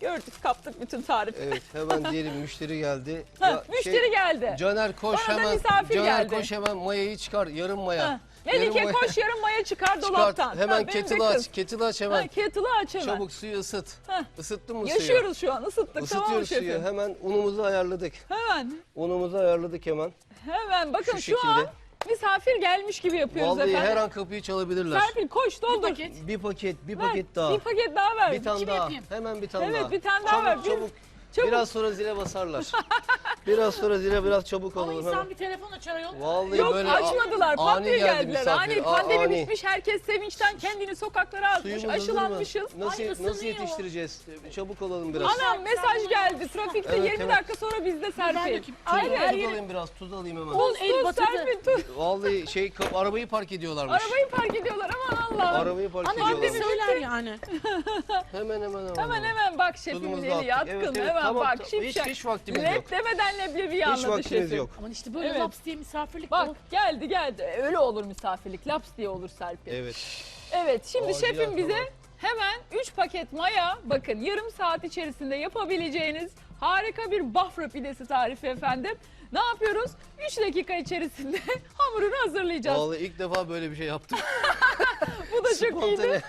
Gördük, kaptık bütün tarifi. Evet, hemen diyelim müşteri geldi. Ha, müşteri geldi. Caner koş Bana da hemen. misafir Caner geldi. koş hemen mayayı çıkar, yarım maya. Ha. Melike Yarım koş yarım maya çıkar dolaptan. Hemen Ha, benim de kettle'ı kız. aç, kettle'ı aç hemen. Ha, kettle'ı aç hemen. Çabuk suyu ısıt. Ha. Isıttın mı suyu? Yaşıyoruz şu an, ısıttık, tamam mı Isıtıyoruz şefim? suyu. Hemen unumuzu ayarladık. Hemen, Unumuzu ayarladık hemen. hemen. Bakın Şu şu an şekilde. misafir gelmiş gibi yapıyoruz Vallahi efendim. her an kapıyı çalabilirler. Serpil koş doldur. Bir paket Ver, daha. Bir paket daha ver. Bir tane Kim daha. yapayım? Hemen bir tane Evet, daha. bir tane daha ver. Çabuk. Çabuk. Biraz sonra zile basarlar. Biraz sonra zile biraz çabuk Ama olalım insan hemen. bir telefon açar ayol. Vallahi Yok böyle açmadılar, pat ani diye geldi geldiler. misafir. Ani pandemi Ani. bitmiş, herkes sevinçten kendini sokaklara atmış, Suyumuz hazır mı? aşılanmışız. Nasıl, Ay, nasıl ısınıyor. yetiştireceğiz? Çabuk olalım biraz. Anam mesaj geldi trafikte, Evet, 20 evet. dakika sonra bizde Serpil. dökeyim. Hayır Tuz hayır. alayım biraz, tuz alayım hemen. Tuz El tuz batırdı. Serpil tuz. Vallahi arabayı park ediyorlarmış. Arabayı park ediyorlar, aman Allah'ım. Arabayı park Anne bir ediyorlarmış. söyler yani. Hemen. Bak şefimin Tuzumuzu eli attık. yatkın, Evet, hemen tamam, bak tamam. şipşak. Hiç vaktimiz yok. Lep demeden leblebi Hiç anladı vaktimiz şefim. yok. Aman işte böyle Evet. laps diye misafirlik Bak olur. geldi öyle olur misafirlik, laps diye olur Serpil. Evet. Evet şimdi Acil şefim bize tamam. hemen 3 paket maya, bakın yarım saat içerisinde yapabileceğiniz harika bir Bafra pidesi tarifi efendim. Ne yapıyoruz? 3 dakika içerisinde hamurunu hazırlayacağız. Vallahi ilk defa böyle bir şey yaptım. Bu da çok iyiydi. Spontane.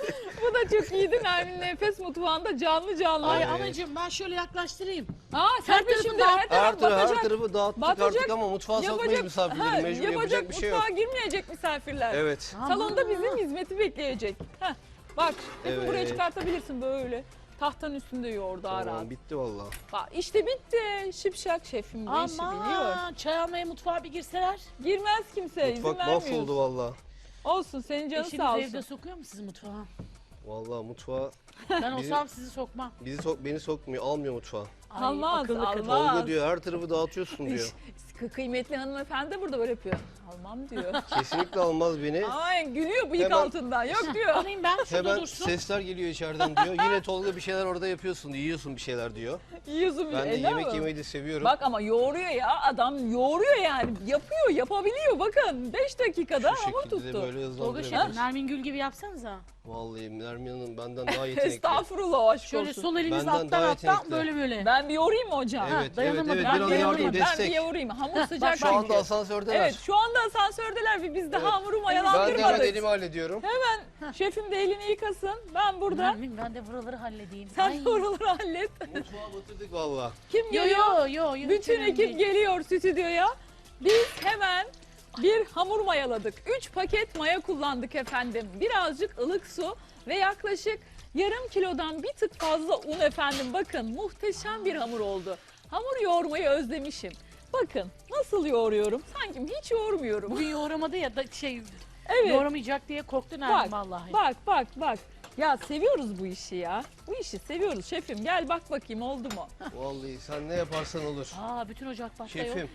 Bu da çok iyiydi. Nermin Nefes Mutfağı'nda canlı. Ay Evet. anacığım ben şöyle yaklaştırayım. Serpil tarafı şimdi dağıt. her taraf Her batacak. tarafı dağıttık Batacak. artık ama mutfağa sokmayız misafirleri. Mecbur yapacak bir şey yok. Mutfağa girmeyecek misafirler. Evet. Salonda bizim hizmeti bekleyecek. Heh, bak şefim buraya Evet. çıkartabilirsin böyle. Tahtanın üstünde yoğur daha rahat. Tamam bitti vallahi. Bak işte bitti. Şipşak şefim bu işi biliyor. Aman çay almaya mutfağa bir girseler. Girmez kimse, izin Mutfak vermiyoruz. mahvoldu vallahi. Olsun, senin canın Eşiniz sağ evde olsun. sokuyor mu sizi mutfağa? Vallahi mutfağa Ben olsam sizi sokmam. beni sokmuyor, almıyor mutfağa. Ay, Almaz, akıllı kadın. almaz. Tolga diyor her tarafı dağıtıyorsun diyor. Kıymetli hanımefendi de burada böyle yapıyor. Almam diyor. Kesinlikle almaz beni. Ay gülüyor bıyık Hemen- altından. Yok diyor. Alayım ben şurada Hemen dursun. sesler geliyor içeriden diyor. Yine Tolga bir şeyler orada yapıyorsun, yiyorsun bir şeyler diyor. Yiyorsun Ben de ne yemek yapalım? yemeyi de seviyorum. Bak ama yoğuruyor ya, adam yoğuruyor yani. Yapıyor, yapabiliyor bakın. 5 dakikada Şu hamur şekilde de tuttu. böyle Tolga hızlandırabiliriz. şefim Nermin Gül gibi yapsanıza. Vallahi Nermin Hanım benden daha yetenekli. Estağfurullah, aşk Şöyle olsun. sol eliniz Benden alttan daha alttan yetenekli. böyle böyle. Ben bir yoğurayım mı hocam? Evet, evet, dayanamadım. evet. Ben Biraz bir yardım yoğurayım, ben bir destek. yoğurayım. Hamur sıcak Şu anda çünkü. asansördeler. Evet, şu anda asansördeler ve biz de Evet. hamuru Ben de mayalandırmadık. hemen elimi hallediyorum. Şefim de elini yıkasın. Ben burada. Nermin ben de buraları halledeyim. Sen Ay. de oraları hallet. Mutfağa batırdık vallahi. Kim Yo geliyor? yo. Bütün ekip geliyor stüdyoya. Biz hemen bir hamur mayaladık. 3 paket maya kullandık efendim. Birazcık ılık su ve yaklaşık yarım kilodan bir tık fazla un efendim. Bakın muhteşem bir hamur oldu. Hamur yoğurmayı özlemişim. Bakın nasıl yoğuruyorum. Sanki hiç yoğurmuyorum. Bugün yoğuramadı ya da Evet. yoğuramayacak diye korktu Nermin Bak, vallahi. bak. Ya seviyoruz bu işi ya. Bu işi seviyoruz şefim. Gel bak bakayım oldu mu? Vallahi sen ne yaparsan olur. Aa bütün ocak başta yok. Şefim,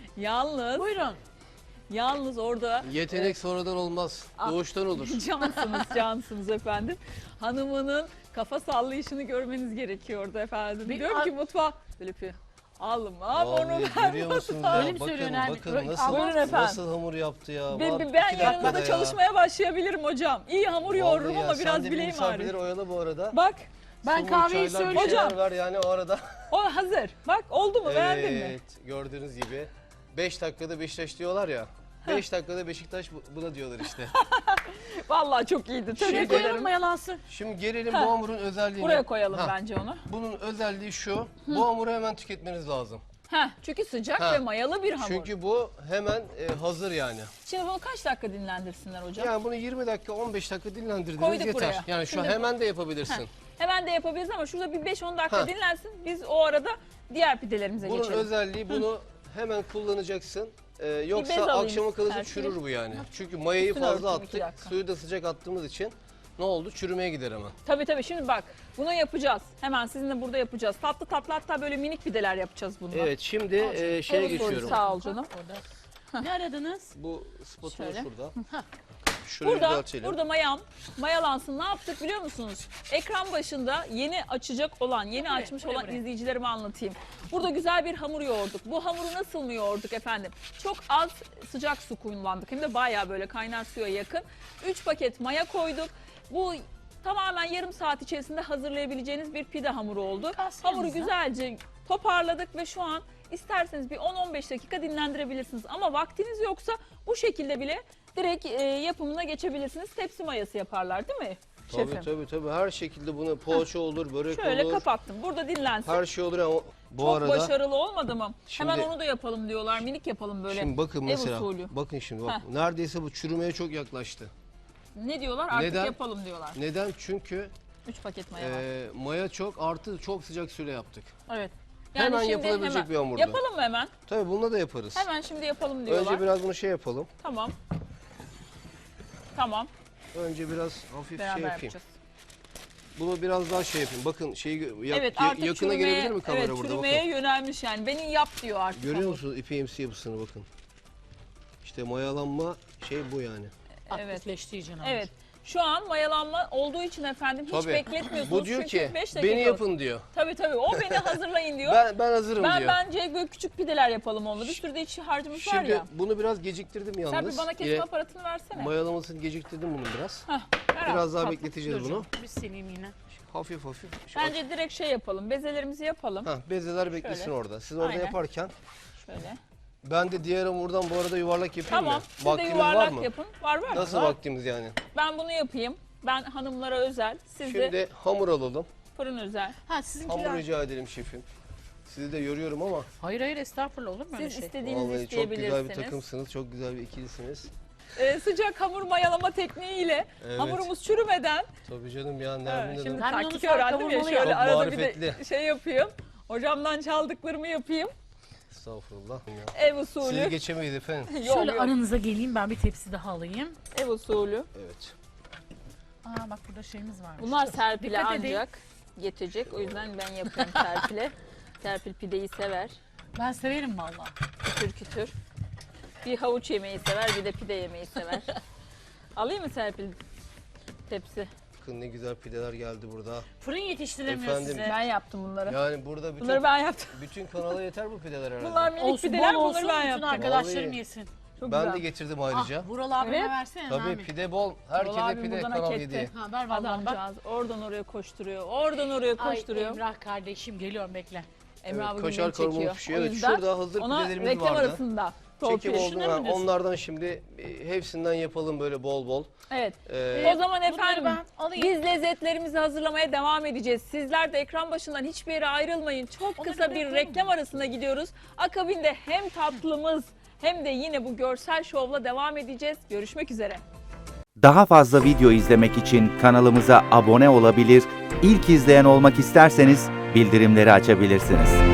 Buyurun. orada yetenek sonradan olmaz. Doğuştan olur. cansınız efendim. Hanımının kafa sallayışını görmeniz gerekiyordu efendim. Bir- Diyorum ki mutfağa böyle yapıyor. Alma onu Vallahi ver. görüyor musunuz ya? Öyle mi söylüyor Nermin? Bakın Buyurun nasıl, efendim. nasıl hamur yaptı ya. Ben, Bak, ben 2 dakikada yarın da ya. çalışmaya başlayabilirim hocam. İyi hamur yoğururum Vallahi ya, ama biraz sen de bir bileğim misafirleri ağrıyor. oyala bu arada. Bak Ben Somon, kahveyi çaylar, bir söyleyeceğim. şeyler Hocam. ver yani o arada. o hazır. Bak oldu mu beğendin mi? Evet, gördüğünüz gibi 5 dakikada Beşiktaş diyorlar ya. 5 dakikada Beşiktaş buna diyorlar işte. Vallahi çok iyiydi. Şuraya Tebrik koyalım ederim. mayalansın. Şimdi gelelim Ha. bu hamurun özelliğine. Buraya koyalım Ha, bence onu. Bunun özelliği şu. Bu hamuru hemen tüketmeniz lazım. Çünkü sıcak Ha. ve mayalı bir hamur. Çünkü bu hemen hazır yani. Şimdi bunu kaç dakika dinlendirsinler hocam? Yani bunu 20 dakika 15 dakika dinlendirdiniz Koyduk yeter. buraya. Yani şu Şimdi hemen de yapabilirsin. Hemen de yapabiliriz ama şurada bir 5-10 dakika Ha. dinlensin. Biz o arada diğer pidelerimize Bunun geçelim. özelliği bunu hemen kullanacaksın. bez Yoksa alayım akşama kalınca Serpil. çürür bu yani. Çünkü mayayı Üstüne fazla örteyim, 2 attık. dakika. Suyu da sıcak attığımız için ne oldu? Çürümeye gider hemen. Tabii şimdi bak bunu yapacağız. Hemen sizinle burada yapacağız. Tatlı hatta böyle minik pideler yapacağız bununla. Evet şimdi şeye Soru geçiyorum. Sağ ol canım. Ne aradınız? Bu spatula Şöyle. şurada. Şurayı düzeltelim. Burada mayalansın. Ne yaptık biliyor musunuz? Ekran başında yeni açacak olan, yeni açmış olan izleyicilerime anlatayım. Burada güzel bir hamur yoğurduk. Bu hamuru nasıl mı yoğurduk efendim? Çok az sıcak su kullandık. Hem de bayağı böyle kaynar suya yakın. 3 paket maya koyduk. Bu tamamen yarım saat içerisinde hazırlayabileceğiniz bir pide hamuru oldu. Kalsın Hamuru yanınıza. güzelce toparladık ve şu an isterseniz bir 10-15 dakika dinlendirebilirsiniz. Ama vaktiniz yoksa bu şekilde bile direkt yapımına geçebilirsiniz. Tepsi mayası yaparlar değil mi şefim? Tabii. Her şekilde bunu poğaça olur, börek Şöyle olur. kapattım. Burada dinlensin. Her şey olur ama bu Çok arada başarılı olmadı mı? Şimdi- Hemen onu da yapalım diyorlar. Minik yapalım böyle. şimdi bakın ev mesela. usulü. Bakın şimdi bak. Heh. Neredeyse bu çürümeye çok yaklaştı. Ne diyorlar? Artık Neden? yapalım diyorlar. Neden? Çünkü 3 paket maya var. maya çok artı çok sıcak suyla yaptık. Evet. Hemen şimdi yapılabilecek bir hamurdu. Yapalım mı hemen? Tabii bununla da yaparız. Hemen şimdi yapalım diyorlar. Önce biraz bunu şey yapalım. Tamam. Tamam. Önce biraz hafif Beraber şey yapayım. yapacağız. Bunu biraz daha şey yapayım. Bakın şeyi Evet artık yakına çürümeye- gelebilir mi kamera evet, burada? çürümeye Bakın. yönelmiş yani. Beni yap diyor artık. Görüyor hamur. musunuz ipeğimsi yapısını bakın. İşte mayalanma şey bu yani. Evet. Aktifleşti iyice. Evet. Şu an mayalanma olduğu için efendim hiç Tabii. bekletmiyorsunuz. Bu diyor Çünkü ki 5 dakika. beni yapın diyor. Tabii o beni hazırlayın diyor. Ben hazırım diyor. Bence böyle küçük pideler yapalım onunla. Bir sürü de içi harcımız var Şimdi ya. bunu biraz geciktirdim yalnız. Serpil bana kesme aparatını versene. Mayalamasını geciktirdim bunu biraz. Heh, ver Biraz abi, daha tatlı. bekleteceğiz Dur bunu. canım, bir sileyim yine. Hafif. Bence direkt şey yapalım. Bezelerimizi yapalım. Bezeler beklesin Şöyle. orada. Siz orada Aynen. yaparken Şöyle. ben de diğer hamurdan bu arada yuvarlak yapayım Tamam. mı? Siz de Vaktimiz yuvarlak var mı? yapın. Var. Nasıl Var. vaktimiz yani? Ben bunu yapayım. Ben hanımlara özel. Siz de Şimdi hamur alalım. fırın özel. Ha sizinkiler. Hamur rica edelim şefim. Sizi de yoruyorum ama Hayır estağfurullah olur mu öyle Siz şey? istediğinizi vallahi çok güzel bir isteyebilirsiniz. takımsınız. Çok güzel bir ikilisiniz. Sıcak hamur mayalama tekniğiyle Evet. hamurumuz çürümeden. Tabii canım ya Evet, Nermin şimdi Hanım. Ben de onu taktik sarı öğrendim ya kavurmalı şöyle Çok arada bir de marifetli. şey yapayım. Hocamdan çaldıklarımı yapayım. Estağfurullah. Ev Sizi usulü. geçemeyiz efendim. Yok, Şöyle yok. aranıza geleyim ben bir tepsi daha alayım. Ev usulü. Evet. Aa bak burada şeyimiz varmış. Bunlar Serpil'e Dikkat edin. ancak yetecek. O yüzden ben yapıyorum Serpil'e. Serpil pideyi sever. Ben severim valla. Kütür. Bir havuç yemeyi sever, bir de pide yemeyi sever. Alayım mı Serpil tepsi? Bakın ne güzel pideler geldi burada. Fırın yetiştiremiyor Efendim? size. Ben yaptım bunları. Yani burada Bunları ben yaptım. bütün kanala yeter bu pideler herhalde. Bunlar minik Olsun pideler, bol olsun bunları ben bütün yaptım. arkadaşlarım Vallahi. yesin. Çok Ben güzel. de getirdim ayrıca. Ah Vural abime Evet. versene Tabii Nermin. pide bol. Herkese abim pide buradan kanal hak etti. yedi. Ha ver vallahi bak. Adamcağız oradan oraya koşturuyor, oradan oraya Ay koşturuyor. Emrah kardeşim geliyorum bekle. Emre Evet, abi kaşar bugün kavurma çekiyor. pişiyor. O Evet, yüzden şurada hazır ona pidelerimiz reklam vardı. arasında. Çekim torpil. oldu. Şunları mı diyorsun? Onlardan şimdi hepsinden yapalım böyle bol bol. Evet. Ee, O zaman efendim Bunları ben alayım. biz lezzetlerimizi hazırlamaya devam edeceğiz. Sizler de ekran başından hiçbir yere ayrılmayın. Çok Onları kısa bir bırakalım reklam mı? arasına gidiyoruz. Akabinde hem tatlımız hem de yine bu görsel şovla devam edeceğiz. Görüşmek üzere. Daha fazla video izlemek için kanalımıza abone olabilir, ilk izleyen olmak isterseniz bildirimleri açabilirsiniz.